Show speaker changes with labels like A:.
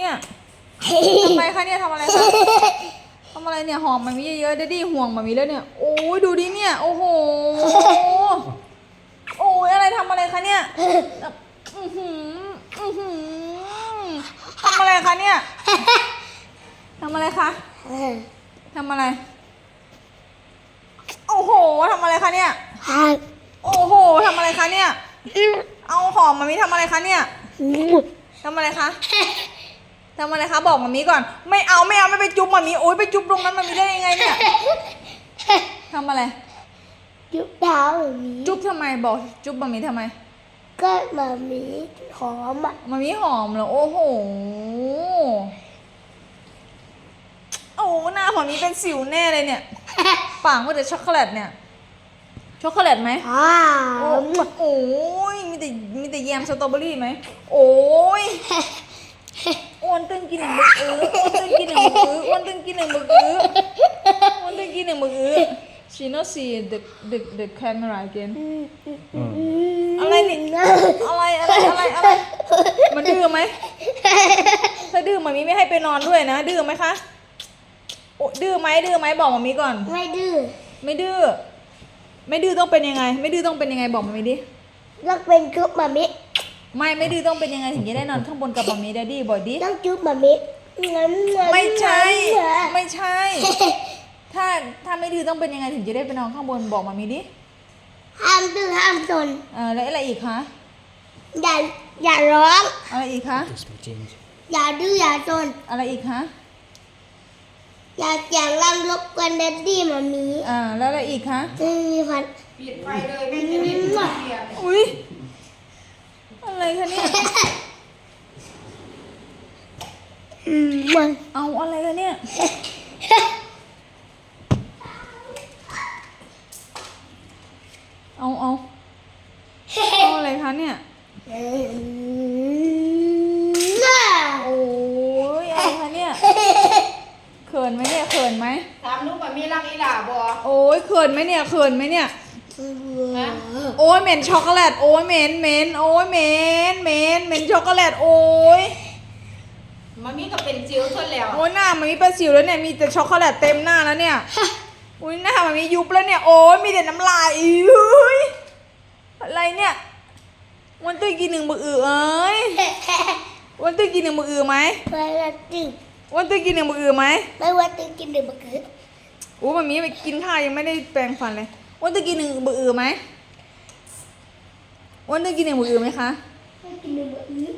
A: เนี่ยทำไมคะเนี่ยทำอะไรคะทำอะไรเนี่ยหอมมันมีเยอะๆดดดี้ห่วงมันมีแล้วเนี่ยโอ้ยดูดิเนี่ยโอ้โหโอ้ยอะไรทำอะไรคะเนี่ยทำอะไรคะเนี่ยทำอะไรคะทำอะไรโอ้โหทำอะไรคะเนี่ยโอ้โหทำอะไรคะเนี่ยเอาหอมมามีทำอะไรคะเนี่ยทำอะไรคะทำอะไรคะบอกมามีก่อนไม่เอาไม่ไปจุ๊บมามีโอ๊ยไปจุ๊บตรงนั้นมามีได้ยังไงเนี่ยทำอะไร
B: จุ๊บเท้ามามี
A: จุ๊บทำไมบอกจุ๊บมามีทำไม
B: ก็มามีหอมอ่ะ
A: มามีหอมเหรอโอ้โหโอ้หน้าของนี้เป็นสิวแน่เลยเนี่ยปากก็แต่ช็อกโกแลตเนี่ยช็อกโกแลตไหมโอ้ยมีแต่แยมสตรอเบอรี่ไหมโอ้ยอ้วนตึงกินหนึ่งมืออ้วนตึงกินหนึ่งมืออ้วนตึงกินหนึ่งมืออ้วนตึงกินหนึ่งมือ she not see the camera again อะไรนี่อะไรมันดื้อไหมถ้าดื้อมามีไม่ให้ไปนอนด้วยนะดื้อไหมคะโอ้ดื้อไหมบอกมามีก่อน
B: ไม่ดื้อ
A: ไม่ดื้อต้องเป็นยังไงไม่ดื้อต้องเป็นยังไงบอกมามีดิ
B: ต้องเป็นจุ๊บมามิ
A: ไม่ดื้อต้องเป็นยังไงถึงจะได้นอนข้างบนกับมามีแดดดี้บอยดิ
B: ต้องจุ๊บมามิ
A: ไม่ใช่ถ้าไม่ดื้อต้องเป็นยังไงถึงจะได้ไปนอนข้างบนบอกมามีดิ
B: ห้ามดื้อห้ามซน
A: แล้วอะไรอีกคะ
B: อย่าร้อง
A: อะไรอีกคะ
B: อย่าดื้ออย่าซน
A: อะไรอีกคะ
B: อย่าเสียงดังรบกวนแดดดี้มามี
A: แล้วอะไรอีกคะ
B: มีพัน
C: ปิดไฟเลยแม่จะรีบเปลี่ยน
A: อุ้ยอะไรคะเนี่ย
B: มัน
A: เอาอะไรคะเนี่ยเอาอะไรคะเนี่ยโอ้ยอะไรคะเนี่ยเขินไหมเนี่ยเขินไหม
C: ถามนุ๊กว่ามีรักอีหล่าบ่
A: โอ้ยเขินไหมเนี่ยโอ้ยเหม็นช็อกโกแลตโอ้ยเหม็นโอ้ยเหม็นช็อกโกแลตโอ้ย
C: มันมีก็เป็นจิ๋วทนแล้ว
A: โอ้ยหน้ามันมีเป็นสิวแล้วเนี่ยมีแต่ช็อกโกแลตเต็มหน้าแล้วเนี่ยอุ้ยหน้ามันมียุบแล้วเนี่ยโอ้ยมีแต่น้ำลายอุ้ยอะไรเนี่ยวันตื้อกินหนึ่งมือเอ้ยวันตื้อกินหนึ่งมือไหม
B: ไม่ว่าตึง
A: วันตื้อกินหนึ่งมือไหม
B: ไม่ว่าตึงกินหรือบักคือ
A: โอ้มันมีไปกินข้าวยังไม่ได้แปรงฟันเลยวันตื้อกินหนึ่งมือไหมวันตื้อกินหนึ่งมือไหมคะ
B: ไม่กินหรือบักคือ